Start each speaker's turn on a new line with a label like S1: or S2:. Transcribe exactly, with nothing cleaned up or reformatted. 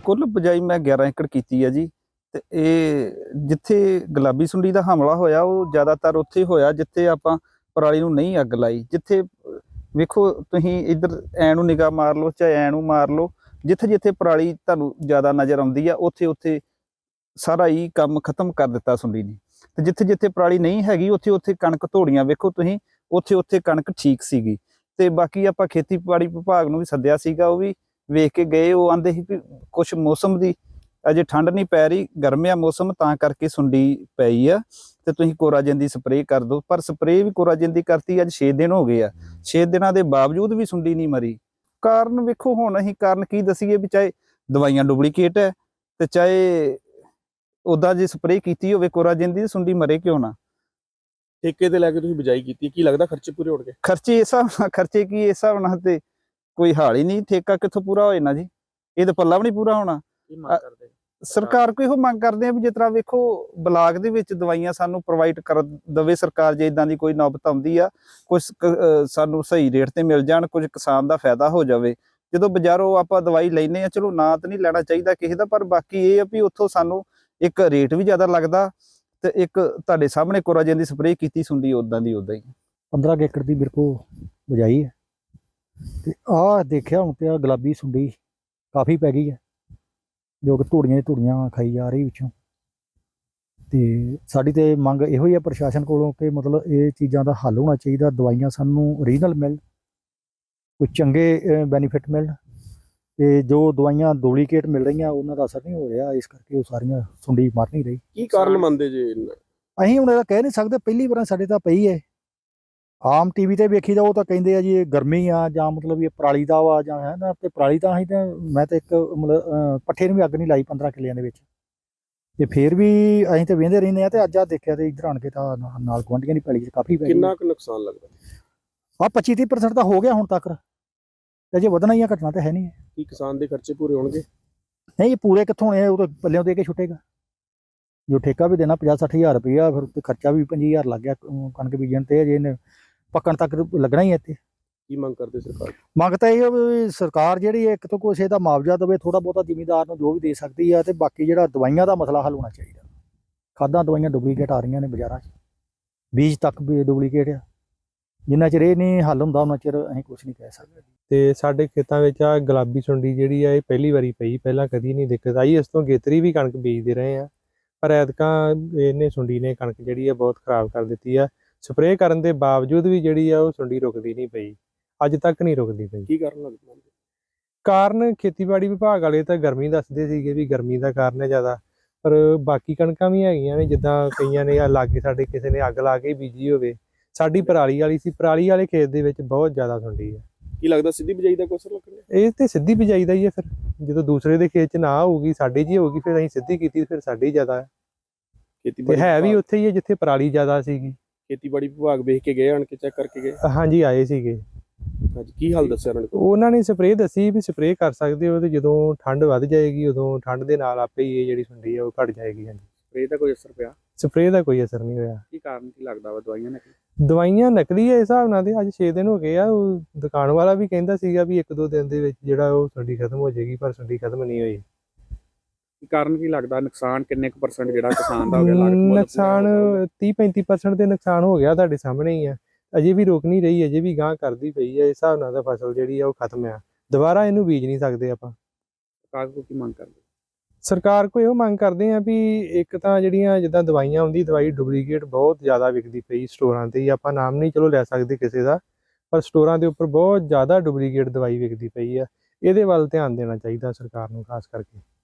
S1: ਕੁੱਲ ਬਜਾਈ ਮੈਂ ਗਿਆਰਾਂ ਏਕੜ ਕੀਤੀ ਆ ਜੀ। ਤੇ ਇਹ ਜਿੱਥੇ ਗੁਲਾਬੀ ਸੁੰਡੀ ਦਾ ਹਮਲਾ ਹੋਇਆ ਉਹ ਜ਼ਿਆਦਾਤਰ ਉੱਥੇ ਹੋਇਆ ਜਿੱਥੇ ਆਪਾਂ ਪਰਾਲੀ ਨੂੰ ਨਹੀਂ ਅੱਗ ਲਾਈ। ਜਿੱਥੇ ਵੇਖੋ ਤੁਸੀਂ ਇੱਧਰ ਐ ਨੂੰ ਨਿਗਾਹ ਮਾਰ ਲਓ ਚਾਹੇ ਐ ਨੂੰ ਮਾਰ ਲਓ, ਜਿੱਥੇ ਜਿੱਥੇ ਪਰਾਲੀ ਤੁਹਾਨੂੰ ਜ਼ਿਆਦਾ ਨਜ਼ਰ ਆਉਂਦੀ ਆ ਉੱਥੇ ਉੱਥੇ ਸਾਰਾ ਹੀ ਕੰਮ ਖਤਮ ਕਰ ਦਿੱਤਾ ਸੁੰਡੀ ਨੇ। ਤੇ ਜਿੱਥੇ ਜਿੱਥੇ ਪਰਾਲੀ ਨਹੀਂ ਹੈਗੀ ਉੱਥੇ ਉੱਥੇ ਕਣਕ ਧੋੜੀਆਂ ਵੇਖੋ ਤੁਸੀਂ, ਉੱਥੇ ਉੱਥੇ ਕਣਕ ਠੀਕ ਸੀਗੀ। ਤੇ ਬਾਕੀ ਆਪਾਂ ਖੇਤੀਬਾੜੀ ਵਿਭਾਗ ਨੂੰ ਵੀ ਸੱਦਿਆ ਸੀਗਾ, ਉਹ ਵੀ ਵੇਖ ਕੇ ਗਏ। ਉਹ ਆਂਦੇ ਸੀ ਵੀ ਕੁਛ ਮੌਸਮ ਦੀ ਅਜੇ ਠੰਡ ਨਹੀਂ ਪੈ ਰਹੀ, ਗਰਮ ਆ ਮੌਸਮ ਤਾਂ ਕਰਕੇ ਸੁੰਡੀ ਪਈ ਆ ਤੇ ਤੁਸੀਂ ਕੋਰਾਜਨ ਦੀ ਸਪਰੇਅ ਕਰ ਦਿਓ। ਪਰ ਸਪਰੇਅ ਵੀ ਕੋਰਾਜਨ ਦੀ ਕਰਤੀ, ਅੱਜ ਛੇ ਦਿਨ ਹੋ ਗਏ ਆ, ਛੇ ਦਿਨਾਂ ਦੇ ਬਾਵਜੂਦ ਵੀ ਸੁੰਡੀ ਨਹੀਂ ਮਰੀ। ਕਾਰਨ ਵੇਖੋ ਹੁਣ ਅਸੀਂ ਕਾਰਨ ਕੀ ਦਸੀਏ ਵੀ ਚਾਹੇ ਦਵਾਈਆਂ ਡੁਪਲੀਕੇਟ ਹੈ ਤੇ ਚਾਹੇ ਉੱਦਾਂ ਜੇ ਸਪਰੇਅ ਕੀਤੀ ਹੋਵੇ ਕੋਰਾਜਨ ਦੀ, ਸੁੰਡੀ ਮਰੇ ਕਿਉਂ ਨਾ।
S2: ਠੇਕੇ ਤੇ ਲੈ ਕੇ ਤੁਸੀਂ ਬਿਜਾਈ ਕੀਤੀ, ਕੀ ਲੱਗਦਾ ਖਰਚੇ ਪੂਰੇ ਹੋਣਗੇ?
S1: ਖਰਚੇ ਇਸ ਹਿਸਾਬ ਨਾਲ ਖਰਚੇ ਕੀ ਇਸ ਹਿਸਾਬ ਨਾਲ ਤੇ ਕੋਈ ਹਾਲ ਹੀ ਨਹੀਂ। ਠੇਕਾ ਕਿੱਥੋਂ ਪੂਰਾ ਹੋ ਜਾਣਾ ਜੀ, ਇਹ ਤਾਂ ਪੱਲਾ ਵੀ ਨਹੀਂ ਪੂਰਾ ਹੋਣਾ।
S2: ਕੀ ਮੰਗ ਕਰਦੇ
S1: ਸਰਕਾਰ ਕੋਈ ਇਹੋ ਮੰਗ ਕਰਦੇ ਆ ਵੀ ਜਿਸ ਤਰ੍ਹਾਂ ਵੇਖੋ ਬਲਾਕ ਦੇ ਵਿੱਚ ਦਵਾਈਆਂ ਸਾਨੂੰ ਪ੍ਰੋਵਾਈਡ ਕਰ ਦੇਵੇ ਸਰਕਾਰ, ਜੇ ਇਦਾਂ ਦੀ ਕੋਈ ਨੌਬਤ ਆਉਂਦੀ ਆ ਕੁਝ ਸਾਨੂੰ ਸਹੀ ਰੇਟ ਤੇ ਮਿਲ ਜਾਣ, ਕੁਝ ਕਿਸਾਨ ਦਾ ਫਾਇਦਾ ਹੋ ਜਾਵੇ। ਜਦੋਂ ਬਾਜ਼ਾਰੋਂ ਆਪਾਂ ਦਵਾਈ ਲੈਨੇ ਆ, ਚਲੋ ਨਾ ਤਾਂ ਨਹੀਂ ਲੈਣਾ ਚਾਹੀਦਾ ਕਿਸੇ ਦਾ, ਪਰ ਬਾਕੀ ਇਹ ਆ ਵੀ ਉੱਥੋਂ ਸਾਨੂੰ ਇੱਕ ਰੇਟ ਵੀ ਜ਼ਿਆਦਾ ਲੱਗਦਾ ਤੇ ਇੱਕ ਤੁਹਾਡੇ ਸਾਹਮਣੇ ਕੋਰਾਜਨ ਦੀ ਸਪਰੇਅ ਕੀਤੀ ਸੁੰਡੀ ਉਦਾਂ ਦੀ ਉਦਾਂ ਹੀ।
S3: ਪੰਦਰਾਂ ਏਕੜ ਦੀ ਮੇਰੇ ਕੋਲ ਬਜਾਈ ਹੈ ਤੇ ਆਹ ਦੇਖਿਆ ਹੁਣ ਤੇ ਆ ਗੁਲਾਬੀ ਸੁੰਡੀ ਕਾਫੀ ਪੈ ਗਈ ਹੈ, ਜੋ ਕਿ ਧੂੜੀਆਂ ਧੂੜੀਆਂ ਖਾਈ ਜਾ ਰਹੀ ਵਿੱਚੋਂ। ਤੇ ਸਾਡੀ ਤੇ ਮੰਗ ਇਹੋ ਹੀ ਆ ਪ੍ਰਸ਼ਾਸਨ ਕੋਲੋਂ ਕਿ ਮਤਲਬ ਇਹ ਚੀਜ਼ਾਂ ਦਾ ਹੱਲ ਹੋਣਾ ਚਾਹੀਦਾ, ਦਵਾਈਆਂ ਸਾਨੂੰ ਓਰੀਜਨਲ ਮਿਲਣ, ਕੋਈ ਚੰਗੇ ਬੈਨੀਫਿਟ ਮਿਲਣ। ਤੇ ਜੋ ਦਵਾਈਆਂ ਡੁਪਲੀਕੇਟ ਮਿਲ ਰਹੀਆਂ ਉਹਨਾਂ ਦਾ ਅਸਰ ਨਹੀਂ ਹੋ ਰਿਹਾ, ਇਸ ਕਰਕੇ ਉਹ ਸਾਰੀਆਂ ਸੁੰਡੀ ਮਰ ਨਹੀਂ ਰਹੀ।
S2: ਕੀ ਕਾਰਨ ਮੰਨਦੇ ਜੇ?
S3: ਅਸੀਂ ਹੁਣ ਇਹਦਾ ਕਹਿ ਨਹੀਂ ਸਕਦੇ, ਪਹਿਲੀ ਵਾਰ ਸਾਡੇ ਤਾਂ ਪਈ ਹੈ। ਆਮ ਟੀਵੀ ਤੇ ਵੇਖੀ ਦਾ ਉਹ ਤਾਂ ਕਹਿੰਦੇ ਆ ਜੀ ਇਹ ਗਰਮੀ ਆ ਜਾਂ ਮਤਲਬ ਇਹ ਪਰਾਲੀ ਦਾ ਵਾ ਜਾਂ ਹੈ ਨਾ। ਤੇ ਪਰਾਲੀ ਤਾਂ ਅਸੀਂ ਤਾਂ ਮੈਂ ਤਾਂ ਇੱਕ ਮਤਲਬ ਪੱਠੇ ਨੂੰ ਵੀ ਅੱਗ ਨਹੀਂ ਲਾਈ ਪੰਦਰਾਂ ਕਿੱਲਿਆਂ ਦੇ ਵਿੱਚ, ਤੇ ਫਿਰ ਵੀ ਅਸੀਂ ਤਾਂ ਵੇਂਦੇ ਰਹਿੰਦੇ ਆ। ਤੇ ਅੱਜ ਆ ਦੇਖਿਆ ਤੇ ਇੱਧਰ ਆਣ ਕੇ ਤਾਂ ਨਾਲ ਗੁਆਂਢੀਆਂ ਦੀ ਪੈਲੀ 'ਚ ਕਾਫੀ ਪੈ ਗਈ।
S2: ਕਿੰਨਾ ਕੁ ਨੁਕਸਾਨ ਲੱਗਦਾ?
S3: ਆ ਪੱਚੀ ਤੀਹ ਪਰਸੈਂਟ ਤਾਂ ਹੋ ਗਿਆ ਹੁਣ ਤੱਕ, ਤੇ ਜੇ ਵਧਣਾ ਹੀ ਆ, ਘਟਣਾ ਤਾਂ ਹੈ ਨਹੀਂ।
S2: ਕੀ ਕਿਸਾਨ ਦੇ ਖਰਚੇ ਪੂਰੇ ਹੋਣਗੇ?
S3: ਨਹੀਂ ਪੂਰੇ ਕਿੱਥੋਂ ਹੋਣੇ, ਉਹ ਤਾਂ ਪੱਲਿਓਂ ਦੇ ਕੇ ਛੁੱਟੇਗਾ। ਜੋ ਠੇਕਾ ਵੀ ਦੇਣਾ ਪੰਜਾਹ ਸੱਠ ਹਜ਼ਾਰ ਰੁਪਈਆ, ਫਿਰ ਉੱਤੇ ਖਰਚਾ ਵੀ ਪੰਜੀ ਹਜ਼ਾਰ ਲੱਗ ਗਿਆ ਕਣਕ ਬੀਜਣ ਤੇ, ਅਜੇ ਇਹਨੇ ਪੱਕਣ ਤੱਕ ਲੱਗਣਾ ਹੀ ਹੈ। ਇੱਥੇ
S2: ਕੀ ਮੰਗ ਕਰਦੇ ਸਰਕਾਰ?
S3: ਮੰਗ ਤਾਂ ਇਹ ਵੀ ਸਰਕਾਰ ਜਿਹੜੀ ਇੱਕ ਤੋਂ ਕੁਛ ਇਹਦਾ ਮੁਆਵਜ਼ਾ ਦੇਵੇ ਥੋੜਾ ਬਹੁਤਾ ਜ਼ਿਮੀਂਦਾਰ ਨੂੰ, ਜੋ ਵੀ ਦੇ ਸਕਦੀ ਆ। ਤੇ ਬਾਕੀ ਜਿਹੜਾ ਦਵਾਈਆਂ ਦਾ ਮਸਲਾ ਹੱਲ ਹੋਣਾ ਚਾਹੀਦਾ। ਖਾਦਾਂ ਦਵਾਈਆਂ ਡੁਪਲੀਕੇਟ ਆ ਰਹੀਆਂ ਨੇ ਬਾਜ਼ਾਰਾਂ 'ਚ, ਬੀਜ ਤੱਕ ਵੀ ਡੁਪਲੀਕੇਟ ਆ। ਜਿੰਨਾ ਚਿਰ ਇਹ ਨਹੀਂ ਹੱਲ ਹੁੰਦਾ ਉਹਨਾਂ ਚਿਰ ਅਸੀਂ ਕੁਛ ਨਹੀਂ ਕਹਿ ਸਕਦੇ।
S4: ਤੇ ਸਾਡੇ ਖੇਤਾਂ ਵਿੱਚ ਆ ਗੁਲਾਬੀ ਸੁੰਡੀ ਜਿਹੜੀ ਆ ਇਹ ਪਹਿਲੀ ਵਾਰੀ ਪਈ, ਪਹਿਲਾਂ ਕਦੀ ਨਹੀਂ ਦਿੱਕਤ ਆਈ। ਇਸ ਤੋਂ ਗੇਤਰੀ ਵੀ ਕਣਕ ਬੀਜਦੇ ਰਹੇ ਆ, ਪਰ ਐਤਕਾਂ ਇਹਨੇ ਸੁੰਡੀ ਨੇ ਕਣਕ ਜਿਹੜੀ ਆ ਬਹੁਤ ਖਰਾਬ ਕਰ ਦਿੱਤੀ ਆ। ਸਪਰੇਅ ਕਰਨ ਦੇ ਬਾਵਜੂਦ ਵੀ ਜਿਹੜੀ ਆ ਉਹ ਸੁੰਡੀ ਰੁਕਦੀ ਨਹੀਂ ਪਈ, ਅੱਜ ਤੱਕ ਨਹੀਂ ਰੁਕਦੀ ਪਈ।
S2: ਕੀ ਕਾਰਨ ਲੱਗਦਾ?
S4: ਕਾਰਨ ਖੇਤੀਬਾੜੀ ਵਿਭਾਗ ਵਾਲੇ ਤਾਂ ਗਰਮੀ ਦੱਸਦੇ ਸੀਗੇ ਵੀ ਗਰਮੀ ਦਾ ਕਾਰਨ ਹੈ ਜ਼ਿਆਦਾ, ਪਰ ਬਾਕੀ ਕਣਕਾਂ ਵੀ ਹੈਗੀਆਂ ਨੇ। ਜਿੱਦਾਂ ਕਈਆਂ ਨੇ ਆ ਲਾਗੇ ਸਾਡੇ ਕਿਸੇ ਨੇ ਅੱਗ ਲਾ ਕੇ ਬੀਜੀ ਹੋਵੇ, ਸਾਡੀ ਪਰਾਲੀ ਵਾਲੀ ਸੀ, ਪਰਾਲੀ ਵਾਲੇ ਖੇਤ ਦੇ ਵਿੱਚ ਬਹੁਤ ਜ਼ਿਆਦਾ ਸੁੰਡੀ ਆ।
S2: ਕੀ ਲੱਗਦਾ ਸਿੱਧੀ ਬਿਜਾਈ ਦਾ ਕੋਈ ਅਸਰ ਲੱਗਣਾ?
S4: ਇਹ ਤੇ ਸਿੱਧੀ ਬਿਜਾਈ ਦਾ ਹੀ ਹੈ। ਫਿਰ ਜਦੋਂ ਦੂਸਰੇ ਦੇ ਖੇਤ 'ਚ ਨਾ ਹੋਊਗੀ ਸਾਡੇ 'ਚ ਹੀ ਹੋਊਗੀ, ਫਿਰ ਅਸੀਂ ਸਿੱਧੀ ਕੀਤੀ, ਫਿਰ ਸਾਡੀ ਜ਼ਿਆਦਾ ਹੈ।
S2: ਖੇਤੀਬਾੜੀ
S4: ਹੈ ਵੀ ਉੱਥੇ ਹੀ ਹੈ ਜਿੱਥੇ ਪਰਾਲੀ ਜ਼ਿਆਦਾ ਸੀਗੀ।
S2: ਖੇਤੀਬਾੜੀ ਵਿਭਾਗ ਵੇਖ ਕੇ ਗਏ, ਆਣ ਕੇ ਚੈੱਕ ਕਰਕੇ ਗਏ?
S4: ਹਾਂਜੀ ਆਏ ਸੀਗੇ।
S2: ਹਾਂਜੀ, ਕੀ ਹਾਲ ਦੱਸਿਆ ਉਹਨਾਂ ਨੇ?
S4: ਉਹਨਾਂ ਨੇ ਸਪਰੇਅ ਦੱਸੀ ਵੀ ਸਪਰੇਅ ਕਰ ਸਕਦੇ ਹੋ, ਤੇ ਜਦੋਂ ਠੰਡ ਵੱਧ ਜਾਏਗੀ ਉਦੋਂ ਠੰਡ ਦੇ ਨਾਲ ਆਪੇ ਹੀ ਇਹ ਜਿਹੜੀ ਸੁੰਡੀ ਆ ਉਹ ਘਟ ਜਾਏਗੀ। ਹਾਂਜੀ,
S2: ਸਪਰੇਅ ਦਾ ਕੋਈ ਅਸਰ ਪਿਆ?
S4: ਸਪਰੇਅ ਦਾ ਕੋਈ ਅਸਰ ਨਹੀਂ ਹੋਇਆ।
S2: ਕੀ ਕਾਰਨ ਕੀ ਲੱਗਦਾ ਵਾ? ਦਵਾਈਆਂ ਨੇ?
S4: ਦਵਾਈਆਂ ਨਕਲੀ ਹੈ ਇਸ ਹਿਸਾਬ ਨਾਲ। ਤੇ ਅੱਜ ਛੇ ਦਿਨ ਹੋ ਗਏ ਆ, ਉਹ ਦੁਕਾਨ ਵਾਲਾ ਵੀ ਕਹਿੰਦਾ ਸੀਗਾ ਵੀ ਇੱਕ ਦੋ ਦਿਨ ਦੇ ਵਿੱਚ ਜਿਹੜਾ ਉਹ ਸੁੰਡੀ ਖਤਮ ਹੋ ਜਾਏਗੀ, ਪਰ ਸੁੰਡੀ ਖਤਮ ਨਹੀਂ ਹੋਈ।
S2: ਕੀ ਕਾਰਨ ਕੀ ਲੱਗਦਾ? ਨੁਕਸਾਨ ਕਿੰਨੇ ਕੁ ਪਰਸੈਂਟ ਜਿਹੜਾ ਕਿਸਾਨ ਦਾ ਹੋ ਗਿਆ?
S4: ਨੁਕਸਾਨ ਤੀਹ ਪੈਂਤੀ ਪਰਸੈਂਟ ਦੇ ਨੁਕਸਾਨ ਹੋ ਗਿਆ, ਤੁਹਾਡੇ ਸਾਹਮਣੇ ਹੀ ਆ। ਅਜੇ ਵੀ ਰੁਕ ਨਹੀਂ ਰਹੀ, ਅਜੇ ਵੀ ਗਾਂਹ ਕਰਦੀ ਪਈ ਹੈ। ਇਸ ਹਿਸਾਬ ਨਾਲ ਤਾਂ ਫਸਲ ਜਿਹੜੀ ਆ ਉਹ ਖਤਮ ਆ, ਦੁਬਾਰਾ ਇਹਨੂੰ ਬੀਜ ਨਹੀਂ ਸਕਦੇ ਆਪਾਂ।
S2: ਸਰਕਾਰ ਕੋਲ ਕੀ ਮੰਗ ਕਰਦੇ?
S4: ਸਰਕਾਰ ਕੋਲ ਇਹੋ ਮੰਗ ਕਰਦੇ ਆ ਵੀ ਇੱਕ ਤਾਂ ਜਿਹੜੀਆਂ ਜਿੱਦਾਂ ਦਵਾਈਆਂ ਆਉਂਦੀ, ਦਵਾਈ ਡੁਪਲੀਕੇਟ ਬਹੁਤ ਜ਼ਿਆਦਾ ਵਿਕਦੀ ਪਈ ਸਟੋਰਾਂ ਤੇ ਹੀ। ਆਪਾਂ ਨਾਮ ਨਹੀਂ ਚਲੋ ਲੈ ਸਕਦੇ ਕਿਸੇ ਦਾ, ਪਰ ਸਟੋਰਾਂ ਦੇ ਉੱਪਰ ਬਹੁਤ ਜ਼ਿਆਦਾ ਡੁਪਲੀਕੇਟ ਦਵਾਈ ਵਿਕਦੀ ਪਈ ਆ। ਇਹਦੇ ਵੱਲ ਧਿਆਨ ਦੇਣਾ ਚਾਹੀਦਾ ਸਰਕਾਰ ਨੂੰ ਖਾਸ ਕਰਕੇ।